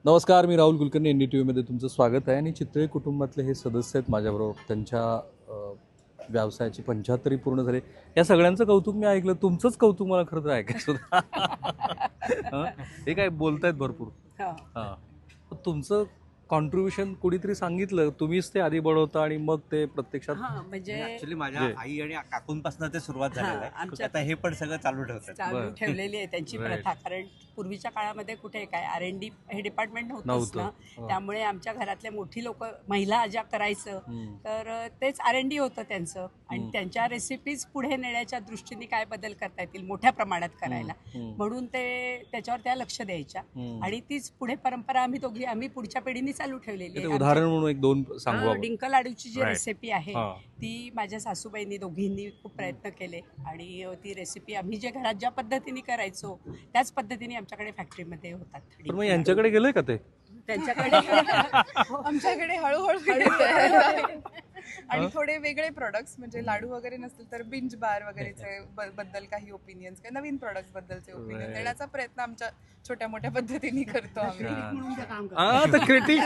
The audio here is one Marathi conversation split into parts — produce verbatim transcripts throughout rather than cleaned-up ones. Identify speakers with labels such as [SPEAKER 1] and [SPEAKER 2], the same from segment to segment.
[SPEAKER 1] नमस्कार, मी Rahul Kulkarni. N D T व्हीमध्ये तुमचं स्वागत आहे. आणि चितळे कुटुंबातले हे सदस्य आहेत माझ्याबरोबर. त्यांच्या अ, व्यवसायाची पंच्याहत्तरी पूर्ण झाली. या सगळ्यांचं कौतुक मी ऐकलं. तुमचंच कौतुक मला खरं तर ऐकायचं होतं. हं? हे काय बोलतायत भरपूर. हां, तुमचं कॉन्ट्रीब्युशन कोणीतरी सांगितलं, तुम्हीच ते आधी बनवता आणि मग ते प्रत्यक्षात.
[SPEAKER 2] म्हणजे
[SPEAKER 3] ऍक्च्युली माझ्या आई आणि काकूंपासून ते सुरुवात झालेलं आहे. आता हे पण सगळं चालू ठेवतात,
[SPEAKER 2] चालू ठेवलेली आहे त्यांची प्रथा. कारण पूर्वीच्या काळामध्ये कुठे काय आर एन डी हे डिपार्टमेंट नव्हतंच ना, त्यामुळे आमच्या घरातले मोठी लोक महिला ज्या करायचं तर तेच आर एन डी होतं त्यांचं. आणि त्यांच्या रेसिपीज पुढे नेण्याच्या दृष्टीने काय बदल करता येतील मोठ्या प्रमाणात करायला, म्हणून ते त्याच्यावर त्या लक्ष द्यायच्या. आणि तीच पुढे परंपरा आम्ही दोघी आम्ही पुढच्या पिढीने चालू ठेवलेली आहे.
[SPEAKER 1] उदाहरण म्हणून एक दोन सांगू.
[SPEAKER 2] डिंक लाडूची जी रेसिपी आहे ती माझ्या सासूबाईंनी दोघींनी खूप प्रयत्न केले. आणि ती रेसिपी आम्ही जे घरात ज्या पद्धतीने करायचो त्याच पद्धतीने आमच्याकडे फॅक्टरीमध्ये होतात.
[SPEAKER 1] मग यांच्याकडे गेलंय का ते?
[SPEAKER 2] त्यांच्याकडे
[SPEAKER 4] आमच्याकडे हळूहळू आणि थोडे वेगळे प्रोडक्ट्स, म्हणजे लाडू वगैरे नसतील तर बिंज बार वगैरेचे बद्दल काही ओपिनियन्स, काही नवीन प्रोडक्ट्स बद्दलचे ओपिनियन देण्याचा प्रयत्न आमच्या छोट्या मोठ्या पद्धतीने करतो आम्ही.
[SPEAKER 1] क्रिटिक.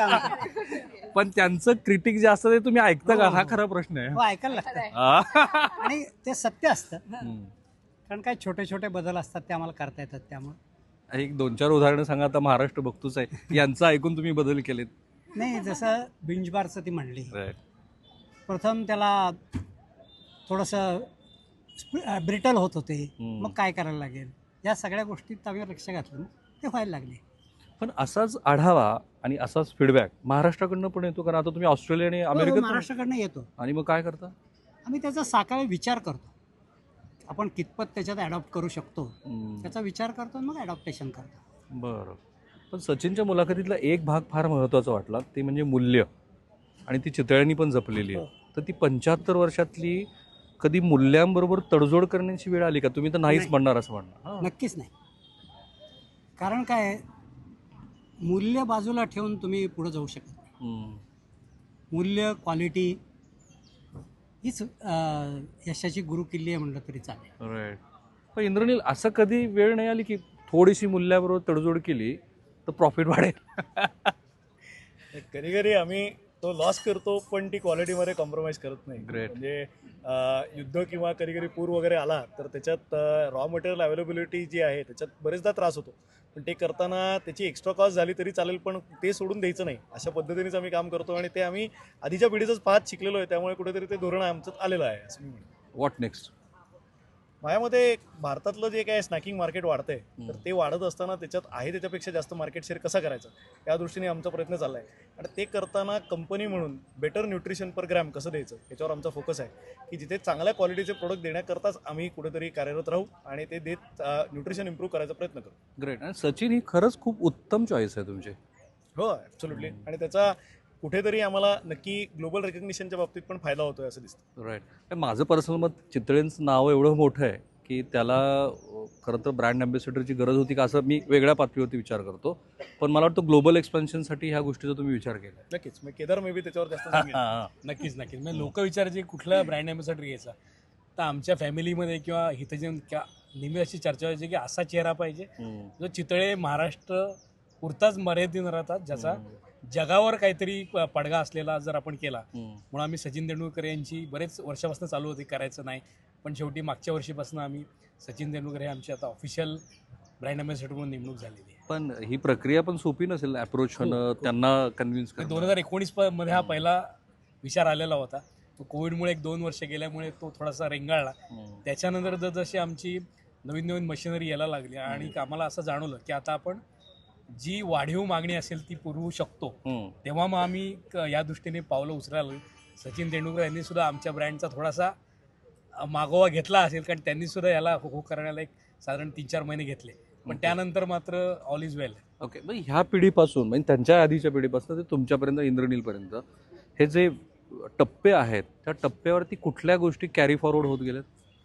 [SPEAKER 1] पण त्यांचं क्रिटिक जे असतं ते तुम्ही ऐकता का? हा खरा प्रश्न आहे.
[SPEAKER 5] हो, ऐकायला लागतं. आणि ते सत्य असतं, कारण काय छोटे छोटे बदल असतात ते आम्हाला करता येतात. त्यामुळे
[SPEAKER 1] एक दोन चार उदाहरणं सांगा. आता महाराष्ट्र बघतोच आहे, यांचं ऐकून तुम्ही बदल केलेत.
[SPEAKER 5] नाही, जसं बिंज बारचं ती म्हणली, प्रथम त्याला थोडंसं ब्रिटल होत होते, मग काय करायला लागेल या सगळ्या गोष्टीत आम्ही लक्ष घातलं, ते व्हायला लागले.
[SPEAKER 1] पण असाच आढावा आणि असाच फीडबॅक महाराष्ट्राकडनं पण येतो, कारण आता तुम्ही ऑस्ट्रेलिया आणि अमेरिकेत
[SPEAKER 5] महाराष्ट्राकडनं येतो.
[SPEAKER 1] आणि मग काय करता?
[SPEAKER 5] आम्ही त्याचा साकाळ विचार करतो, आपण कितपत त्याच्यात ॲडॉप्ट करू शकतो त्याचा विचार करतो, मग ॲडॉप्टेशन करतो.
[SPEAKER 1] बरं. पण सचिनच्या मुलाखतीतला एक भाग फार महत्त्वाचा वाटला, ते म्हणजे मूल्य. आणि ती चितळ्यांनी पण जपलेली आहे. तर ती पंच्याहत्तर वर्षातली कधी मूल्यांबरोबर तडजोड करण्याची वेळ आली का? तुम्ही तर नाहीच म्हणणार असं म्हणणार.
[SPEAKER 5] नक्कीच नाही. कारण काय, मूल्य बाजूला ठेवून तुम्ही पुढे जाऊ शकत नाही. मूल्य, क्वालिटी हीच यशाची गुरुकिल्ली आहे म्हणलं तरी चालेल.
[SPEAKER 1] राईट. पण इंद्रनील, असं कधी वेळ नाही आली की थोडीशी मूल्याबरोबर तडजोड केली तर प्रॉफिट वाढेल?
[SPEAKER 6] कधी कधी आम्ही तो लॉस करतो, पण ती क्वालिटीमध्ये कॉम्प्रोमाइज करत नाही.
[SPEAKER 1] Great.
[SPEAKER 6] म्हणजे युद्ध किंवा कधी कधी पूर वगैरे आला तर त्याच्यात रॉ मटेरियल अवेलेबिलिटी जी आहे त्याच्यात बरेचदा त्रास होतो, पण ते करताना त्याची एक्स्ट्रा कॉस्ट झाली तरी चालेल, पण ते सोडून द्यायचं नाही. अशा पद्धतीनेच आम्ही काम करतो आणि ते आम्ही आधीच्या पिढीचंच पाहत शिकलेलो आहे, त्यामुळे कुठेतरी ते धोरण आमच्यात आलेलं आहे असं मी म्हणतो.
[SPEAKER 1] What next?
[SPEAKER 6] माझ्यामध्ये भारतातलं जे काय स्नॅकिंग मार्केट वाढतंय तर ते वाढत असताना त्याच्यात आहे त्याच्यापेक्षा जास्त मार्केट शेअर कसा करायचा या दृष्टीने आमचा प्रयत्न चालला आहे. आणि ते करताना कंपनी म्हणून बेटर न्यूट्रिशन पर ग्रॅम कसं द्यायचं याच्यावर आमचा फोकस आहे, की जिथे चांगल्या क्वालिटीचे प्रोडक्ट देण्याकरताच आम्ही कुठेतरी कार्यरत राहू आणि ते देत न्यूट्रिशन इम्प्रूव्ह करायचा प्रयत्न करू.
[SPEAKER 1] ग्रेट. आणि सचिन ही खरंच खूप उत्तम चॉईस आहे तुमची.
[SPEAKER 6] हो, ॲब्सोल्युटली. आणि त्याचा कुठेतरी आम्हाला नक्की ग्लोबल रेकग्निशनच्या बाबतीत पण फायदा होतोय असं दिसतं.
[SPEAKER 1] राईट. माझं पर्सनल मत, चितळेंचं नाव एवढं मोठं आहे की त्याला खरं तर ब्रँड अँबॅसेडरची गरज होती का असं मी वेगळ्या पातळीवरती विचार करतो. पण मला वाटतं ग्लोबल एक्सपेन्शनसाठी ह्या गोष्टीचा तुम्ही विचार केला.
[SPEAKER 6] नक्कीच. मग केदार मे बी त्याच्यावर जास्त सांगेल.
[SPEAKER 7] नक्कीच नक्कीच. म्हणजे लोक विचारायचे कुठला ब्रँड अँबॅसेडर घ्यायचा, तर आमच्या फॅमिलीमध्ये किंवा इथं जे नेहमी अशी चर्चा व्हायची की असा चेहरा पाहिजे जो चितळे महाराष्ट्र पुरताच मर्यादित न राहतात, ज्याचा जगावर काहीतरी पडगा असलेला जर आपण केला. म्हणून आम्ही सचिन तेंडुलकर यांची बरेच वर्षापासून चालू होती, करायचं नाही, पण शेवटी मागच्या वर्षीपासून आम्ही सचिन तेंडुलकर हे आमची आता ऑफिशियल ब्रँड अँबॅसेडर म्हणून नेमणूक झालेली आहे.
[SPEAKER 1] पण ही प्रक्रिया पण सोपी नसेल, अप्रोच होणं, त्यांना कन्व्हिन्स करणं.
[SPEAKER 7] दोन हजार एकोणीस मध्ये हा पहिला विचार आलेला होता. तो कोविडमुळे एक दोन वर्ष गेल्यामुळे तो थोडासा रेंगाळला. त्याच्यानंतर जसजशी आमची नवीन नवीन मशिनरी यायला लागली आणि आम्हाला असं जाणवलं की आता आपण जी वाढीव मागणी असेल ती पुरवू शकतो, तेव्हा मग आम्ही या दृष्टीने पावलं उचलायला. सचिन तेंडुलकर यांनी सुद्धा आमच्या ब्रँडचा थोडासा मागोवा घेतला असेल, कारण त्यांनी सुद्धा याला हो हो करण्याला एक साधारण तीन चार महिने घेतले, पण त्यानंतर मात्र ऑल इज वेल.
[SPEAKER 1] ओके. मग ह्या पिढीपासून म्हणजे त्यांच्या आधीच्या पिढीपासून ते तुमच्यापर्यंत, इंद्रनीलपर्यंत हे जे टप्पे आहेत त्या टप्प्यावरती कुठल्या गोष्टी कॅरी फॉरवर्ड होत गेल्यात?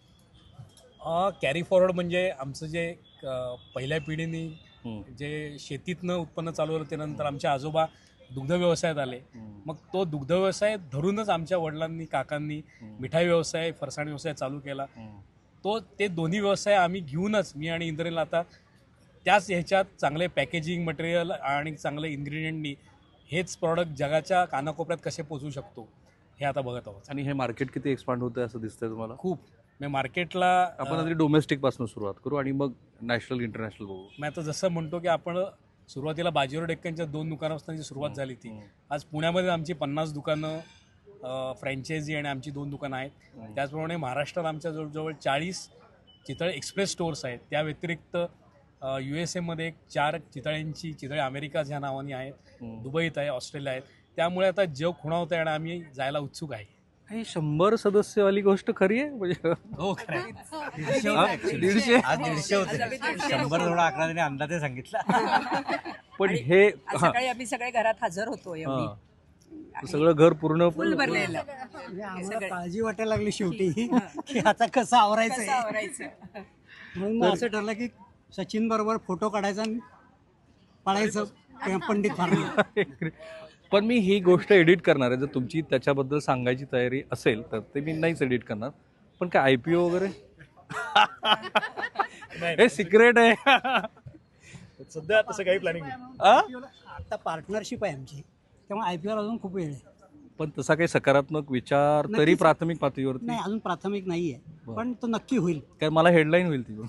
[SPEAKER 7] कॅरी फॉरवर्ड म्हणजे आमचं जे पहिल्या पिढीने जे शेतीतनं उत्पन्न चालू होतं, त्यानंतर आमच्या आजोबा दुग्ध व्यवसायात आले. मग तो दुग्ध व्यवसाय धरूनच आमच्या वडिलांनी, काकांनी मिठाई व्यवसाय, फरसाण व्यवसाय चालू केला. तो ते दोन्ही व्यवसाय आम्ही घेऊनच मी आणि इंद्रनील आता त्याच ह्याच्यात चांगले पॅकेजिंग मटेरियल आणि चांगले इन्ग्रेडियंटनी हेच प्रॉडक्ट जगाच्या कानाकोपऱ्यात कसे पोचवू शकतो हे आता बघत आहोत.
[SPEAKER 1] आणि हे मार्केट किती एक्सपांड होतं असं दिसतंय तुम्हाला?
[SPEAKER 7] खूप मी मार्केटला
[SPEAKER 1] आपण आधी डोमेस्टिक पासून सुरुवात करू आणि मग नॅशनल इंटरनॅशनल बघू.
[SPEAKER 7] मी आता जसं म्हणतो की आपण सुरुवातीला बाजीराव डेक्कनच्या दोन दुकानापासून सुरुवात झाली ती. आज पुण्यामध्ये आमची पन्नास दुकानं फ्रँचायझी आणि आमची दोन दुकानं आहेत. त्याचप्रमाणे महाराष्ट्रात आमच्या जवळजवळ चाळीस चितळे एक्सप्रेस स्टोअर्स आहेत. त्या व्यतिरिक्त यू एस एमध्ये एक चार चितळ्यांची चितळे अमेरिका ह्या नावाने आहेत, दुबईत आहे, ऑस्ट्रेलिया आहेत. त्यामुळे आता जग खुणावतं आहे आणि आम्ही जायला उत्सुक आहे.
[SPEAKER 1] ही शंभर सदस्यवाली गोष्ट खरी आहे म्हणजे?
[SPEAKER 7] हो खरं आहे.
[SPEAKER 3] दीडशे होते
[SPEAKER 1] दीडशे?
[SPEAKER 3] आज दीडशे होते. शंभर थोडा अकरा त्याने अंदाजे सांगितला.
[SPEAKER 1] पण
[SPEAKER 2] आणि
[SPEAKER 1] हे
[SPEAKER 2] आज
[SPEAKER 1] हा,
[SPEAKER 2] सकाळी आम्ही सगळे घरात हजर होतो एवढी
[SPEAKER 1] हा. सगळं घर पूर्ण
[SPEAKER 2] फुल भरलेलं.
[SPEAKER 5] म्हणजे आम्हाला
[SPEAKER 2] सगळे.
[SPEAKER 5] काळजी वाटायला लागली शेवटी की आता कसं आवरायचं
[SPEAKER 2] कसं
[SPEAKER 5] आहे.
[SPEAKER 2] आवरायचं.
[SPEAKER 5] म्हणून मग असं ठरलं की सचिन बरोबर फोटो काढायचा आणि पळायचं पंडित फार्म.
[SPEAKER 1] पण मी ही गोष्ट एडिट करणार आहे. जर तुमची त्याच्याबद्दल सांगायची तयारी असेल तर ते मी नाहीच एडिट करणार. पण काय आय पी ओ वगैरे हे सिक्रेट आहे.
[SPEAKER 6] सध्या तसं काही प्लॅनिंग नाही.
[SPEAKER 1] आ?
[SPEAKER 5] आता पार्टनरशिप आहे आमची, त्यामुळे आय पी एल अजून खूप वेळ आहे.
[SPEAKER 1] पण तसा काही सकारात्मक विचार तरी
[SPEAKER 5] नक्कीच.
[SPEAKER 1] प्राथमिक पातळीवरती
[SPEAKER 5] नाही अजून प्राथमिक नाही आहे,
[SPEAKER 1] बरं.
[SPEAKER 5] पण तो नक्की होईल.
[SPEAKER 1] काय मला हेडलाईन होईल ती.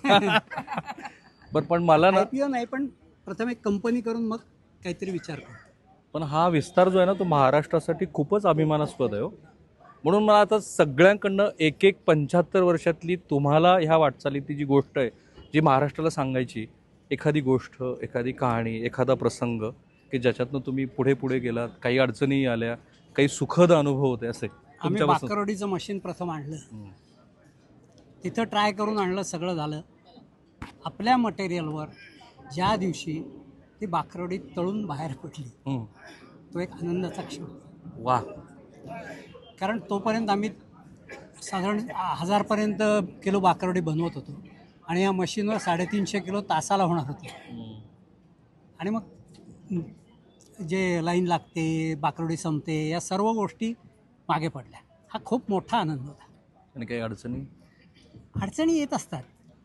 [SPEAKER 1] बरं पण मला ना
[SPEAKER 5] आय पी ओ नाही, पण प्रथम एक कंपनी करून मग काहीतरी विचार करू.
[SPEAKER 1] पण हा विस्तार जो आहे ना तो महाराष्ट्रासाठी खूपच अभिमानास्पद आहे हो. म्हणून मला आता सगळ्यांकडनं एक एक पंच्याहत्तर वर्षातली तुम्हाला ह्या वाटचालीची जी गोष्ट आहे जी महाराष्ट्राला सांगायची, एखादी गोष्ट, एखादी कहाणी, एखादा प्रसंग की ज्याच्यातनं तुम्ही पुढे पुढे गेलात, काही अडचणी आल्या, काही सुखद अनुभव होते असे
[SPEAKER 5] आम्ही
[SPEAKER 1] तुमच्यापासून.
[SPEAKER 5] बाकरवडीचं मशीन प्रथम आणलं,
[SPEAKER 1] हम्म.
[SPEAKER 5] तिथं ट्राय करून आणलं, सगळं झालं. आपल्या मटेरियलवर ज्या दिवशी ती बाकरवडी तळून बाहेर पडली,
[SPEAKER 1] हम्म.
[SPEAKER 5] तो एक आनंदाचा क्षण होता.
[SPEAKER 1] वा.
[SPEAKER 5] कारण तोपर्यंत आम्ही साधारण हजारपर्यंत किलो बाकरवडी बनवत होतो आणि या मशीनवर साडेतीनशे किलो तासाला होणार होते.
[SPEAKER 1] हम्म.
[SPEAKER 5] आणि मग जे लाईन लागते, बाकरवडी संपते, या सर्व गोष्टी मागे पडल्या. हा खूप मोठा आनंद होता.
[SPEAKER 1] आणि काही अडचणी?
[SPEAKER 5] अडचणी येत असतात,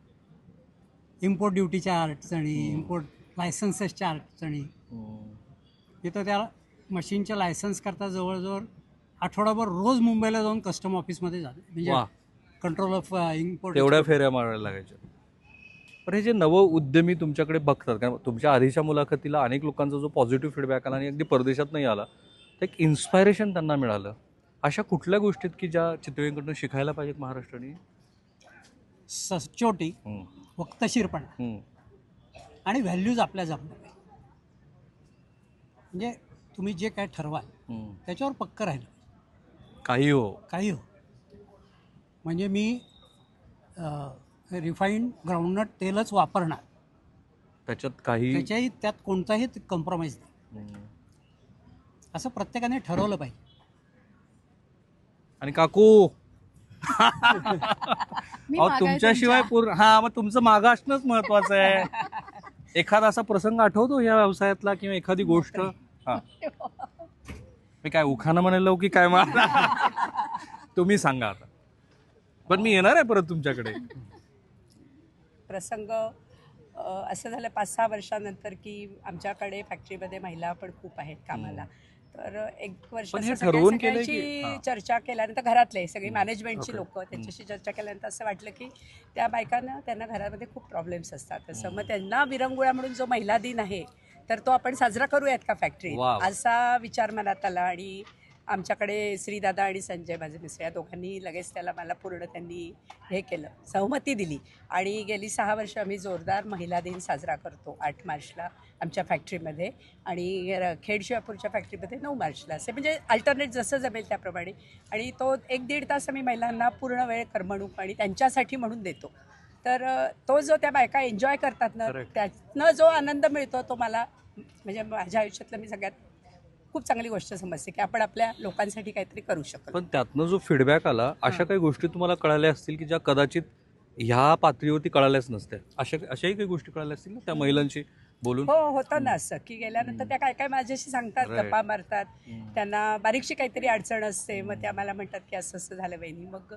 [SPEAKER 5] इम्पोर्ट ड्युटीच्या अडचणी, इम्पोर्ट लायसन्सेसच्या अडचणी.
[SPEAKER 1] हम्म.
[SPEAKER 5] तिथं त्या मशीनच्या लायसन्स करता जवळजवळ आठवडाभर रोज मुंबईला जाऊन कस्टम ऑफिसमध्ये जातो, म्हणजे
[SPEAKER 1] वा.
[SPEAKER 5] Control of import.
[SPEAKER 1] तेवढ्या फेऱ्या मारायला लागायच्या. पण हे जे नव उद्यमी तुमच्याकडे बघतात, कारण तुमच्या आधीच्या मुलाखतीला अनेक लोकांचा जो पॉझिटिव्ह फीडबॅक आला आणि अगदी परदेशात नाही आला, तर एक इन्स्पायरेशन त्यांना मिळालं. अशा कुठल्या गोष्टीत की ज्या चितळींकडून शिकायला पाहिजेत महाराष्ट्राने?
[SPEAKER 5] सचोटी,
[SPEAKER 1] हम्म.
[SPEAKER 5] वक्तशीरपणा
[SPEAKER 1] हम्म.
[SPEAKER 5] आणि व्हॅल्यूज आपल्या जपल्या पाहिजे. म्हणजे तुम्ही जे काय ठरवाल
[SPEAKER 1] हम्म.
[SPEAKER 5] त्याच्यावर पक्क राहिलं,
[SPEAKER 1] काही हो.
[SPEAKER 5] काही हो. म्हणजे मी रिफाईंड ग्राउंडनट तेलच वापरणार,
[SPEAKER 1] त्याच्यात काही
[SPEAKER 5] त्याच्याही त्यात कोणताही कॉम्प्रोमाइज नाही,
[SPEAKER 1] हम्म.
[SPEAKER 5] असं प्रत्येकाने ठरवलं पाहिजे.
[SPEAKER 1] आणि काकू अहो, तुमच्याशिवाय पूर्ण हा मग तुमचं मागं असणंच महत्वाचं आहे. एखादा असा प्रसंग आठवतो या व्यवसायातला किंवा एखादी गोष्ट? हा, मी काय उखाणं म्हणायला की काय मला तुम्ही सांगा आता. पण मी येणार आहे परत तुमच्याकडे.
[SPEAKER 2] प्रसंग अ, असं झालं पाच सहा वर्षानंतर की आमच्याकडे फॅक्टरीमध्ये महिला पण खूप आहेत कामाला. तर एक वर्ष
[SPEAKER 1] पण हे
[SPEAKER 2] असं सगळ्या-
[SPEAKER 1] ठरवून केलंय की-
[SPEAKER 2] सगळ्यांची
[SPEAKER 1] हां.
[SPEAKER 2] चर्चा केल्यानंतर घरातले सगळी मॅनेजमेंटची
[SPEAKER 1] ओके.
[SPEAKER 2] लोक त्यांच्याशी चर्चा केल्यानंतर असं वाटलं की त्या बायकांना त्यांना घरामध्ये खूप प्रॉब्लेम्स असतात. तसं मग त्यांना विरंगुळा म्हणून जो महिला दिन आहे तर तो आपण साजरा करूयात का फॅक्टरीत,
[SPEAKER 1] वाव.
[SPEAKER 2] असा विचार मनात आला. आणि आमच्याकडे श्रीदादा आणि संजय माझे मिस्टर या दोघांनी लगेच त्याला मला पूर्ण त्यांनी हे केलं, सहमती दिली. आणि गेली सहा वर्ष आम्ही जोरदार महिला दिन साजरा करतो आठ मार्चला आमच्या फॅक्टरीमध्ये आणि र- खेड शिवापूरच्या फॅक्टरीमध्ये नऊ मार्चला, असे म्हणजे अल्टरनेट जसं जमेल त्याप्रमाणे. आणि तो एक दीड तास आम्ही महिलांना पूर्ण वेळ करमणूक आणि त्यांच्यासाठी म्हणून देतो. तर अ, तो जो त्या बायका एन्जॉय करतात ना,
[SPEAKER 1] Correct.
[SPEAKER 2] त्यातनं जो आनंद मिळतो तो मला म्हणजे माझ्या आयुष्यातलं मी सगळ्यात खूप चांगली गोष्ट समजते की आपण आपल्या लोकांसाठी काहीतरी करू शकतो.
[SPEAKER 1] पण त्यातनं जो फीडबॅक आला, अशा काही गोष्टी तुम्हाला कळाल्या असतील की ज्या कदाचित ह्या पातळीवरती कळाल्याच नसत्या. अशा अशाही काही गोष्टी कळाल्या असतील ना त्या महिलांशी बोलून?
[SPEAKER 2] हो, होतं ना असं की गेल्यानंतर त्या काय काय माझ्याशी सांगतात,
[SPEAKER 1] Right.
[SPEAKER 2] गप्पा मारतात.
[SPEAKER 1] हम्म.
[SPEAKER 2] त्यांना बारीकशी काहीतरी अडचण असते, मग त्या मला म्हणतात की असं असं झालं वहिनी. मग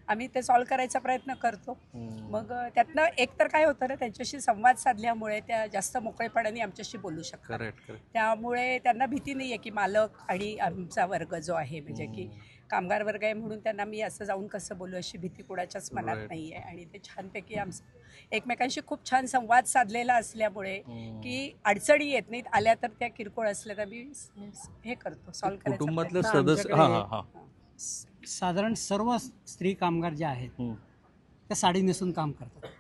[SPEAKER 2] आम्ही ते सॉल्व्ह करायचा प्रयत्न करतो. मग अ, त्यातनं एक तर काय होतं ना, त्यांच्याशी संवाद साधल्यामुळे त्या जास्त मोकळेपणाने आमच्याशी बोलू शकतात.
[SPEAKER 1] Correct correct.
[SPEAKER 2] त्यामुळे त्यांना भीती नाही आहे की मालक आणि आमचा वर्ग जो आहे म्हणजे की कामगार वर्ग आहे म्हणून त्यांना मी असं जाऊन कसं बोलू अशी भीती कुणाच्याच मनात
[SPEAKER 1] Right.
[SPEAKER 2] नाही आहे. आणि ते छानपैकी आमचं एकमेकांशी खूप छान संवाद साधलेला असल्यामुळे की अडचणी येत नाहीत. आल्या तर त्या किरकोळ असल्या तर मी हे करतो सॉल्व्ह करायचा
[SPEAKER 1] कुटुंबातलं
[SPEAKER 2] प्रयत्न.
[SPEAKER 1] सदस्य
[SPEAKER 5] आमच्याकडे-
[SPEAKER 1] हां हां हां
[SPEAKER 5] स- साधारण सर्व स्त्री कामगार ज्या आहेत
[SPEAKER 1] हम्म.
[SPEAKER 5] त्या साडी नेसून काम करतात.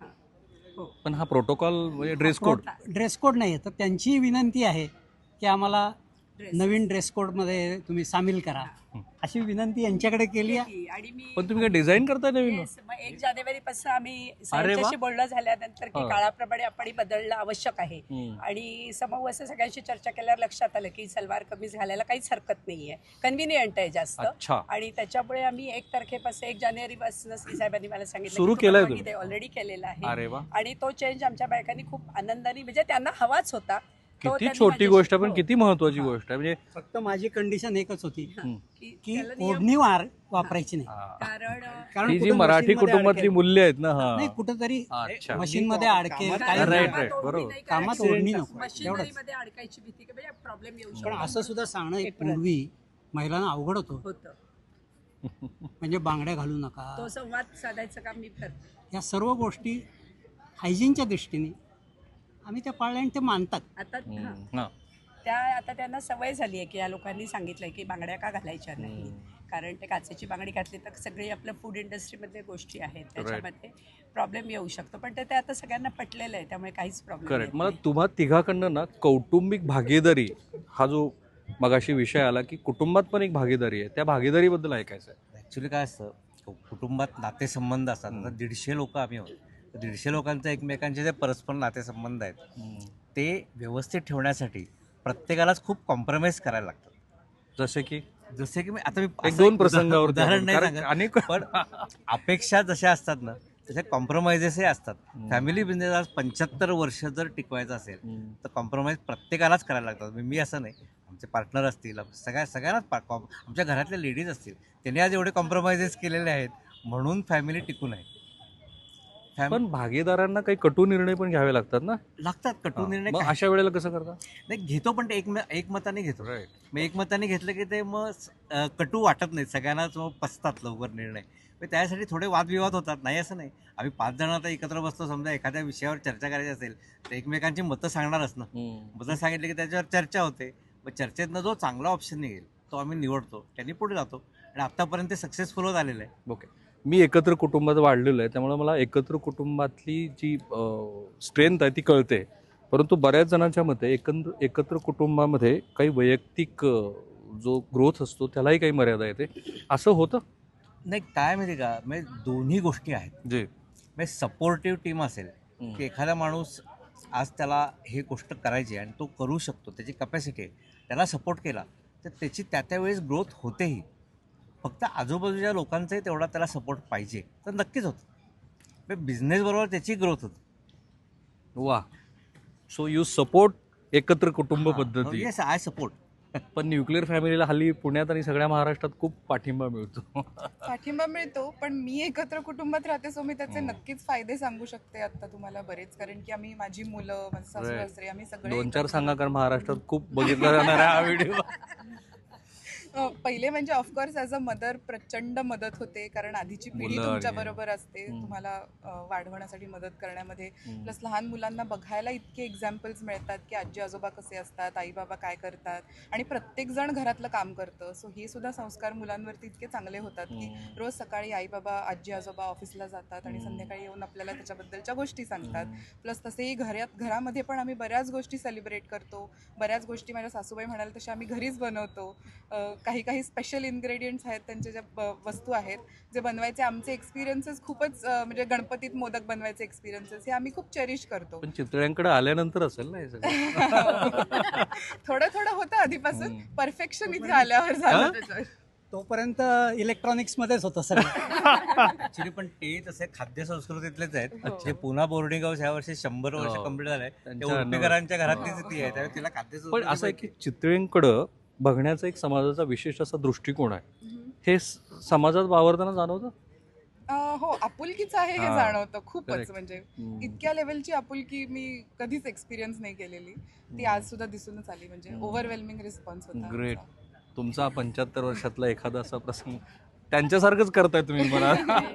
[SPEAKER 1] पण हा प्रोटोकॉल म्हणजे ड्रेस कोड.
[SPEAKER 5] ड्रेस कोड नाही आहे तर त्यांची विनंती आहे की आम्हाला
[SPEAKER 2] Dress.
[SPEAKER 5] नवीन ड्रेस कोडमध्ये तुम्ही सामील करा अशी विनंती यांच्याकडे केली आहे.
[SPEAKER 2] आणि मी
[SPEAKER 1] पण तुम्ही काय डिझाईन करताय नवीन?
[SPEAKER 2] Yes, मग एक जानेवारी पासून आम्ही
[SPEAKER 1] वा.
[SPEAKER 2] सगळ्यांच्याशी बोलणं झाल्यानंतर की
[SPEAKER 1] हा.
[SPEAKER 2] काळाप्रमाणे आपण बदलणं आवश्यक आहे.
[SPEAKER 1] हम्म.
[SPEAKER 2] आणि समूह असं सगळ्यांशी चर्चा केल्यावर लक्षात आलं की सलवार कमीज घालायला काहीच हरकत नाहीये, कन्व्हिनियंट आहे जास्त.
[SPEAKER 1] अच्छा.
[SPEAKER 2] आणि त्याच्यामुळे आम्ही एक तारखेपासून एक जानेवारी पासून साहेबांनी मला सांगितलं
[SPEAKER 1] सुरू केलंय तुम्ही?
[SPEAKER 2] ऑलरेडी केलेला
[SPEAKER 1] अरे
[SPEAKER 2] आहे.
[SPEAKER 1] वा.
[SPEAKER 2] आणि तो चेंज आमच्या बायकांनी खूप आनंदाने म्हणजे त्यांना हवाच होता. तो
[SPEAKER 1] किती
[SPEAKER 2] त्यांनी
[SPEAKER 1] छोटी
[SPEAKER 2] माझ्याशी-
[SPEAKER 1] गोष्ट आहे पण
[SPEAKER 2] हो.
[SPEAKER 1] किती महत्वाची गोष्ट आहे म्हणजे
[SPEAKER 5] फक्त माझी कंडिशन एकच होती
[SPEAKER 1] हम्म.
[SPEAKER 2] की
[SPEAKER 5] की
[SPEAKER 2] त्याला नियम-
[SPEAKER 5] ओढणी वार वापरायची नाही.
[SPEAKER 1] हा.
[SPEAKER 2] कारण अ,
[SPEAKER 5] कारण
[SPEAKER 1] ही जी
[SPEAKER 5] कुठं
[SPEAKER 1] मराठी
[SPEAKER 5] मशीनमध्ये
[SPEAKER 1] कुटुंबातली
[SPEAKER 5] अडकेल.
[SPEAKER 1] मूल्य आहेत ना हा
[SPEAKER 5] नाही कुठंतरी
[SPEAKER 1] अच्छा.
[SPEAKER 5] मशीनमध्ये अडकेल
[SPEAKER 4] कामात-
[SPEAKER 5] काही
[SPEAKER 1] Right,
[SPEAKER 5] नाही.
[SPEAKER 1] right,
[SPEAKER 2] कामात
[SPEAKER 1] बरोबर.
[SPEAKER 2] ओढणी नाही
[SPEAKER 5] कामात
[SPEAKER 2] करायची.
[SPEAKER 5] ओढणी नको
[SPEAKER 2] मशिनरीमध्ये अडकायची भीती की म्हणजे प्रॉब्लेम येऊ
[SPEAKER 5] पण
[SPEAKER 2] शकतो.
[SPEAKER 5] असं सुद्धा सांगणं एक
[SPEAKER 2] एक प्रत-
[SPEAKER 5] पूर्वी महिलांना अवघड होतं
[SPEAKER 2] होतं.
[SPEAKER 5] म्हणजे बांगड्या घालू नका.
[SPEAKER 2] तो संवाद साधायचं काम मी करते.
[SPEAKER 5] या सर्व गोष्टी हायजीनच्या दृष्टीने आम्ही त्या पाळल्या आणि ते मानतात.
[SPEAKER 2] आता
[SPEAKER 1] हम्म.
[SPEAKER 2] हां.
[SPEAKER 1] हा.
[SPEAKER 2] त्या आता त्यांना सवय झाली आहे की या लोकांनी सांगितलंय की बांगड्या का घालायच्या नाही. कारण ते काचेची बांगडी घातली तर सगळी आपल्या फूड इंडस्ट्रीमध्ये गोष्टी आहेत त्याच्यामध्ये प्रॉब्लेम येऊ शकतो. पण ते ते आता सगळ्यांना पटलेलं आहे त्यामुळे काहीच प्रॉब्लेम
[SPEAKER 1] करेक्ट. मला तुम्हा तिघाकडनं ना कौटुंबिक भागीदारी हा जो मगाशी विषय आला की कुटुंबात पण एक भागीदारी आहे त्या भागीदारीबद्दल ऐकायचं आहे.
[SPEAKER 3] ॲक्च्युली काय असतं कु- कुटुंबात नातेसंबंध असतात. आता दीडशे लोक आम्ही आहोत. तर दीडशे लोकांचे एकमेकांचे जे परस्पर नातेसंबंध आहेत ते व्यवस्थित ठेवण्यासाठी प्रत्येकालाच खूप कॉम्प्रोमाइज करायला लागतं.
[SPEAKER 1] जसे की
[SPEAKER 3] जसे की मी आता मी
[SPEAKER 1] एक
[SPEAKER 3] असं
[SPEAKER 1] दोन
[SPEAKER 3] एक
[SPEAKER 1] प्रसंगावर
[SPEAKER 3] उदाहरण नाही
[SPEAKER 1] कारण
[SPEAKER 3] सांगत.
[SPEAKER 1] अनेक
[SPEAKER 3] पण अपेक्षा जशा असतात ना तशा कॉम्प्रोमाइजेसही असतात. फॅमिली बिझनेस आज पंच्याहत्तर वर्ष जर टिकवायचं असेल तर कॉम्प्रोमाइज प्रत्येकालाच करायला लागतात. म्हणजे मी असं नाही, आमचे पार्टनर असतील, सगळ्या सगळ्यांनाच पा कॉम आमच्या घरातल्या लेडीज असतील त्यांनी आज एवढे कॉम्प्रोमाइजेस केलेले आहेत म्हणून फॅमिली टिकून आहे. फॅम-
[SPEAKER 1] पण भागीदारांना काही कटू निर्णय पण घ्यावे लागतात ना.
[SPEAKER 3] लागतात कटू निर्णय
[SPEAKER 1] मग
[SPEAKER 3] काय-
[SPEAKER 1] अशा वेळेला कसं करता?
[SPEAKER 3] नाही घेतो पण ते एक एकमताने घेतो. मग एकमताने घेतलं की ते मग अं, कटू वाटत नाही सगळ्यांनाच, मग पसतात लवकर निर्णय. मग त्यासाठी थोडे वादविवाद होतात, नाही असं नाही. आम्ही पाच जण आता एकत्र बसतो, समजा एखाद्या विषयावर चर्चा करायची असेल तर एकमेकांची मतं सांगणारच ना. मतं सांगितले की त्याच्यावर चर्चा होते. मग चर्चेतनं जो चांगला ऑप्शन निघेल तो आम्ही निवडतो, त्यांनी पुढे जातो आणि आत्तापर्यंत ते सक्सेसफुल होत आलेलं आहे.
[SPEAKER 1] ओके. मी एकत्र कुटुंबात वाढलेलो आहे त्यामुळे मला एकत्र कुटुंबातली जी स्ट्रेंथ आहे ती कळते. परंतु बऱ्याच जणांच्या मते एकंद एकत्र कुटुंबामध्ये काही वैयक्तिक अ, जो ग्रोथ असतो त्यालाही काही मर्यादा येते. असं होतं
[SPEAKER 3] नाही काय माहिती का, म्हणजे दोन्ही गोष्टी आहेत.
[SPEAKER 1] जे
[SPEAKER 3] म्हणजे सपोर्टिव्ह टीम असेल की एखादा माणूस आज त्याला हे गोष्ट करायची आणि तो करू शकतो, त्याची कपॅसिटी आहे, त्याला सपोर्ट केला तर त्याची त्या त्यावेळेस ग्रोथ होतेही. फक्त आजूबाजूच्या लोकांचाही तेवढा त्याला सपोर्ट पाहिजे तर नक्कीच होतं. बिझनेसबरोबर त्याची ग्रोथ होते.
[SPEAKER 1] वा. सो यू सपोर्ट एकत्र कुटुंब पद्धती.
[SPEAKER 3] Yes, I support.
[SPEAKER 1] पण न्यूक्लिअर फॅमिलीला हल्ली पुण्यात आणि सगळ्या महाराष्ट्रात खूप पाठिंबा मिळतो.
[SPEAKER 4] पाठिंबा मिळतो, पण मी एकत्र कुटुंबात राहते सो मी त्याचे नक्कीच फायदे सांगू शकते आता तुम्हाला बरेच. कारण की आम्ही माझी मुलं, माझे सासू
[SPEAKER 1] Right.
[SPEAKER 4] सासरे, आम्ही सगळे
[SPEAKER 1] दोन चार
[SPEAKER 4] एकत्र
[SPEAKER 1] सांगा कारण महाराष्ट्रात खूप बघितला जाणार आहे हा व्हिडिओ.
[SPEAKER 4] अ, पहिले म्हणजे ऑफकोर्स ॲज अ मदर प्रचंड मदत होते, कारण आधीची पिढी
[SPEAKER 1] मुलं
[SPEAKER 4] तुमच्या
[SPEAKER 1] आणि-
[SPEAKER 4] बरोबर असते
[SPEAKER 1] हम्म.
[SPEAKER 4] तुम्हाला अ, वाढवण्यासाठी मदत करण्यामध्ये.
[SPEAKER 1] हम्म.
[SPEAKER 4] प्लस लहान मुलांना बघायला इतके एक्झाम्पल्स मिळतात की आजी आजोबा कसे असतात, आई बाबा काय करतात, आणि प्रत्येक जण घरातलं काम करतं. सो हे सुद्धा संस्कार मुलांवरती इतके चांगले होतात की
[SPEAKER 1] हम्म.
[SPEAKER 4] रोज सकाळी आई बाबा आजी आजोबा ऑफिसला जातात आणि
[SPEAKER 1] हम्म.
[SPEAKER 4] संध्याकाळी येऊन आपल्याला त्याच्याबद्दलच्या गोष्टी सांगतात. प्लस तसेही घरात घरामध्ये पण आम्ही बऱ्याच गोष्टी सेलिब्रेट करतो. बऱ्याच गोष्टी माझ्या सासूबाई म्हणाल तशा आम्ही घरीच बनवतो. अ, काही काही स्पेशल इन्ग्रेडियंट्स आहेत, त्यांच्या ज्या ब- वस्तू आहेत जे बनवायचे आमचे एक्सपिरियन्सेस खूपच अ, म्हणजे गणपतीत मोदक बनवायचे एक्सपिरियन्सेस हे आम्ही खूप चेरिश करतो.
[SPEAKER 1] पण चितळ्यांकडे आल्यानंतर असेल ना हे सगळं.
[SPEAKER 4] थोडं थोडं होतं आधीपासून,
[SPEAKER 1] हम्म.
[SPEAKER 4] परफेक्शन इथे आल्यावर झालं त्याच्यावर.
[SPEAKER 5] तोपर्यंत इलेक्ट्रॉनिक्समध्येच होतं सगळं.
[SPEAKER 3] ऍक्च्युली पण ते तसे खाद्य संस्कृतीतलेच आहेत.
[SPEAKER 4] हो.
[SPEAKER 3] जे पुन्हा बोर्डिंग हाऊस ह्या वर्षी शंभर वर्ष
[SPEAKER 1] हो.
[SPEAKER 3] कंप्लीट झालंय. ते
[SPEAKER 1] त्यांच्या
[SPEAKER 3] उडपीकरांच्या घरातलीच
[SPEAKER 1] हो.
[SPEAKER 3] ती आहे, त्यामुळे तिला खाद्य
[SPEAKER 1] पण
[SPEAKER 3] संस्कृती
[SPEAKER 1] असं आहे की
[SPEAKER 3] माहिती
[SPEAKER 1] चितळ्यांकडं बघण्याचा एक समाजाचा विशेष असा दृष्टिकोन आहे.
[SPEAKER 4] हम्म.
[SPEAKER 1] हे स- समाजात वावरताना जाणवतं.
[SPEAKER 4] अं, हो आपुलकीच आहे हे
[SPEAKER 1] हा.
[SPEAKER 4] जाणवतं खूपच.
[SPEAKER 1] Correct.
[SPEAKER 4] म्हणजे
[SPEAKER 1] हम्म.
[SPEAKER 4] इतक्या लेवलची आपुलकी मी कधीच एक्सपिरियन्स नाही केलेली. ती आज सुद्धा दिसूनच आली. म्हणजे
[SPEAKER 1] हम्म.
[SPEAKER 4] ओव्हरवेल्मिंग रिस्पॉन्स होता
[SPEAKER 1] Great.
[SPEAKER 4] आमचा.
[SPEAKER 1] तुमचा पंच्याहत्तर वर्षातला एखादा असा प्रसंग त्यांच्यासारखंच करताय तुम्ही मला.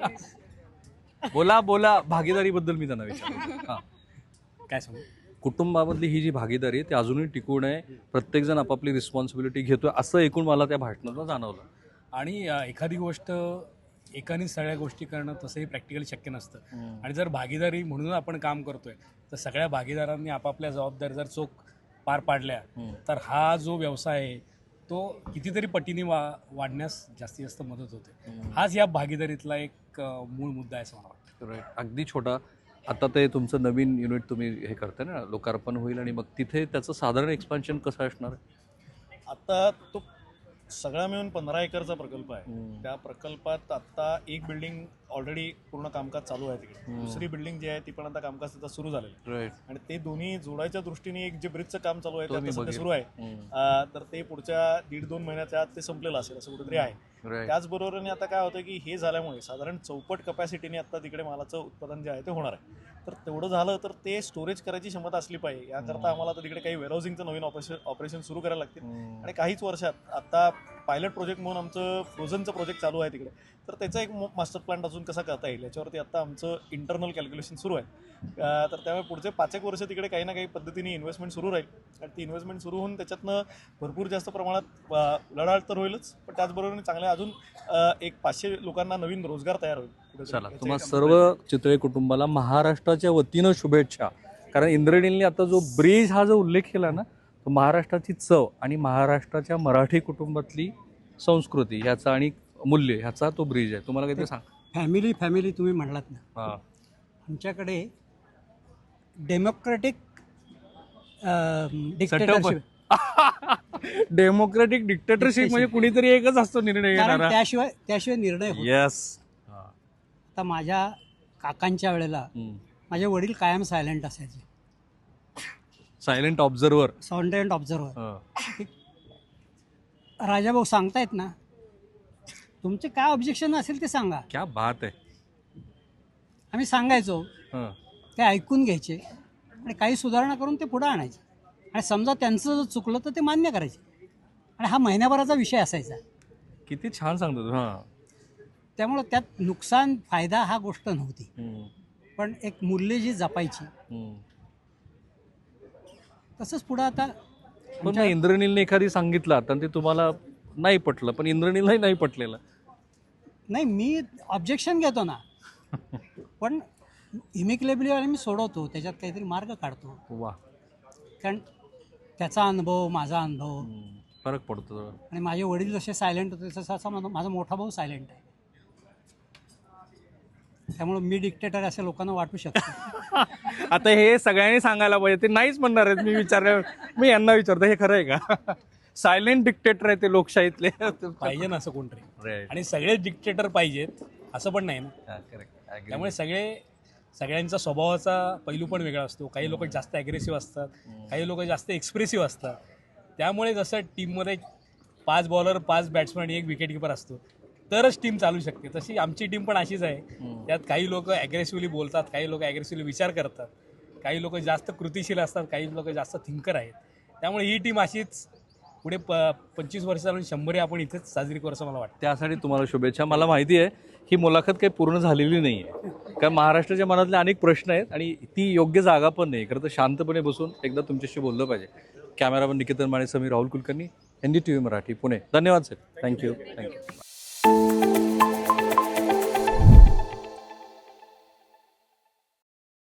[SPEAKER 1] बोला बोला भागीदारीबद्दल मी त्यांना विचारतो. हा.
[SPEAKER 7] काय सांगू?
[SPEAKER 1] कुटुंबामधली ही जी भागीदारी आहे ती अजूनही टिकून आहे. प्रत्येकजण आपापली रिस्पॉन्सिबिलिटी घेतोय असं एकूण मला त्या भाषणातून जाणवलं.
[SPEAKER 7] आणि अ, एखादी गोष्ट एकाने सगळ्या गोष्टी करणं तसंही प्रॅक्टिकली शक्य नसतं.
[SPEAKER 1] हम्म.
[SPEAKER 7] आणि जर भागीदारी म्हणून आपण काम करतोय तर सगळ्या भागीदारांनी आपापल्या जबाबदारी जर चोख पार पाडल्या
[SPEAKER 1] हम्म.
[SPEAKER 7] तर हा जो व्यवसाय आहे तो कितीतरी पटीने वा वाढण्यास जास्तीत जास्त मदत होते.
[SPEAKER 1] हम्म.
[SPEAKER 7] हाच या भागीदारीतला एक अ, मूळ मुद्दा आहे असं मला वाटतं.
[SPEAKER 1] राईट. अगदी छोटा. आता ते तुमचं नवीन युनिट तुम्ही हे करताय ना, लोकार्पण होईल आणि मग तिथे त्याचं साधारण एक्सपान्शन कसं असणार आहे?
[SPEAKER 6] आता तो सगळा मिळून पंधरा एकरचा प्रकल्प आहे.
[SPEAKER 1] हम्म.
[SPEAKER 6] त्या प्रकल्पात आता एक बिल्डिंग ऑलरेडी पूर्ण कामकाज चालू आहे तिकडे.
[SPEAKER 1] हम्म.
[SPEAKER 6] दुसरी बिल्डिंग जी आहे ती पण आता कामकाज तिथं सुरू झालेलं आहे.
[SPEAKER 1] राईट.
[SPEAKER 6] आणि ते दोन्ही जोडायच्या दृष्टीने एक जे ब्रिजचं काम चालू आहे ते
[SPEAKER 1] तो मी
[SPEAKER 6] आता सध्या
[SPEAKER 1] बघेन.
[SPEAKER 6] सुरू आहे.
[SPEAKER 1] हम्म.
[SPEAKER 6] अं, तर ते पुढच्या दीड दोन महिन्याच्या आत ते संपलेलं असेल असं कुठेतरी आहे.
[SPEAKER 1] राईट.
[SPEAKER 6] त्याचबरोबरीने आता काय होतं की हे झाल्यामुळे साधारण चौपट कपॅसिटीने आता तिकडे मालाचं उत्पादन जे आहे ते होणार आहे. तर तेवढं झालं तर ते स्टोरेज करायची क्षमता असली पाहिजे. याकरता आम्हाला आता तिकडे काही वेअरहाऊसिंगचं नवीन ऑपरेशन ऑपरेशन सुरू करायला लागतील.
[SPEAKER 1] हम्म.
[SPEAKER 6] आणि काहीच वर्षात आता पायलट प्रोजेक्ट म्हणून आमचं फ्रोझनचं प्रोजेक्ट चालू आहे तिकडे. तर त्याचा एक मास्टर प्लॅन अजून कसा करता येईल याच्यावरती आता आमचं इंटरनल कॅल्क्युलेशन सुरू आहे. अं, तर त्यामुळे पुढचे पाच एक वर्ष तिकडे काही ना काही पद्धतीने इन्व्हेस्टमेंट सुरू राहील. आणि ती इन्व्हेस्टमेंट सुरू होऊन त्याच्यातनं भरपूर जास्त प्रमाणात अं, उलाढाल तर होईलच, पण त्याचबरोबर चांगले अजून अं, एक पाचशे लोकांना नवीन रोजगार तयार होईल. कुठेतरी.
[SPEAKER 1] चला,
[SPEAKER 6] याचं
[SPEAKER 1] तुम्हा
[SPEAKER 6] एक
[SPEAKER 1] सर्व चितळे कुटुंबाला महाराष्ट्राच्या वतीनं शुभेच्छा. कारण इंद्रनीलने आता जो ब्रिज हा जो उल्लेख केला ना, तो महाराष्ट्राची चव आणि महाराष्ट्राच्या मराठी कुटुंबातली संस्कृती ह्याचा आणि मूल्य ह्याचा तो ब्रिज आहे. तुम्हाला काहीतरी सांग.
[SPEAKER 5] फॅमिली फॅमिली तुम्ही म्हणलात ना,
[SPEAKER 1] हा.
[SPEAKER 5] आमच्याकडे democratic
[SPEAKER 1] Setup.
[SPEAKER 5] Dictatorship,
[SPEAKER 1] democratic dictatorship म्हणजे कुणीतरी एकच असतो निर्णय
[SPEAKER 5] कारण
[SPEAKER 1] घेणारा.
[SPEAKER 5] त्याशिवाय त्याशिवाय निर्णय होत.
[SPEAKER 1] येस.
[SPEAKER 5] आता माझ्या काकांच्या वेळेला माझे वडील कायम सायलेंट असायचे,
[SPEAKER 1] silent observer.
[SPEAKER 5] Silent observer. Rajabhau सांगतायत ना, तुमचे काय ऑब्जेक्शन असेल ते सांगा.
[SPEAKER 1] क्या बात आहे.
[SPEAKER 5] आम्ही सांगायचो,
[SPEAKER 1] हं.
[SPEAKER 5] ते ऐकून घ्यायचे आणि काही सुधारणा करून ते पुढे आणायचे. आणि समजा त्यांचं जर चुकलं तर ते मान्य करायचे. आणि हा महिन्याभराचा विषय असायचा.
[SPEAKER 1] किती छान सांगतो तू. हा.
[SPEAKER 5] त्यामुळं त्यात नुकसान फायदा हा गोष्ट नव्हती,
[SPEAKER 1] हम्म.
[SPEAKER 5] पण एक मूल्य जी जपायची.
[SPEAKER 1] हम्म.
[SPEAKER 5] तसंच पुढं आता
[SPEAKER 1] पण मग इंद्रनीलने एखादी सांगितलं आता आणि ते तुम्हाला नाही पटलं, पण इंद्रनीलही नाही पटलेलं.
[SPEAKER 5] नाही, मी ऑब्जेक्शन घेतो ना, पण इमिक्लेबली आणि मी सोडवतो, त्याच्यात काहीतरी मार्ग काढतो.
[SPEAKER 1] वा.
[SPEAKER 5] कारण त्याचा अनुभव, माझा अनुभव,
[SPEAKER 1] हम्म. फरक पडतो जरा.
[SPEAKER 5] आणि माझे वडील जसे सायलेंट होते तसा असा माझा माझा मोठा भाऊ सायलेंट आहे. त्यामुळे मी डिक्टेटर असे लोकांना वाटू शकतो.
[SPEAKER 1] आता हे सगळ्यांनी सांगायला पाहिजे. ते नाहीच म्हणणार आहेत. मी विचारलं, मी यांना विचारतो हे खरं आहे का? सायलेंट डिक्टेटर आहे ते लोकशाहीतले.
[SPEAKER 7] पाहिजे ना असं कोणतरी.
[SPEAKER 1] Right.
[SPEAKER 7] आणि सगळेच डिक्टेटर पाहिजेत असं पण नाही ना.
[SPEAKER 1] हा, correct. Agree.
[SPEAKER 7] त्यामुळे सगळे सगळ्यांचा स्वभावाचा पैलू पण वेगळा असतो. काही लोक जास्त ॲग्रेसिव्ह असतात, काही लोक जास्त एक्सप्रेसिव्ह असतात. त्यामुळे जसं टीममध्ये पाच बॉलर, पाच बॅट्समन आणि एक विकेटकीपर असतो तरच टीम चालू शकते, तशी आमची टीम पण अशीच आहे. त्यात काही लोक ॲग्रेसिव्हली बोलतात, काही लोक ॲग्रेसिव्हली विचार करतात, काही लोक जास्त कृतिशील असतात, काही लोक जास्त थिंकर आहेत. त्यामुळे ही टीम अशीच पुढे प पंचवीस वर्ष चालून शंभर आपण इथेच साजरी करू असं मला वाटतं.
[SPEAKER 1] त्यासाठी तुम्हाला शुभेच्छा. मला माहिती आहे ही मुलाखत काही पूर्ण झालेली नाही आहे, कारण महाराष्ट्राच्या मनातले अनेक प्रश्न आहेत आणि ती योग्य जागा पण नाही. खरं तर शांतपणे बसून एकदा तुमच्याशी बोललं पाहिजे. Cameraman Niketan Mane, Sameer, Rahul Kulkarni, N D T V Marathi, Pune. धन्यवाद सर. थँक्यू. थँक्यू.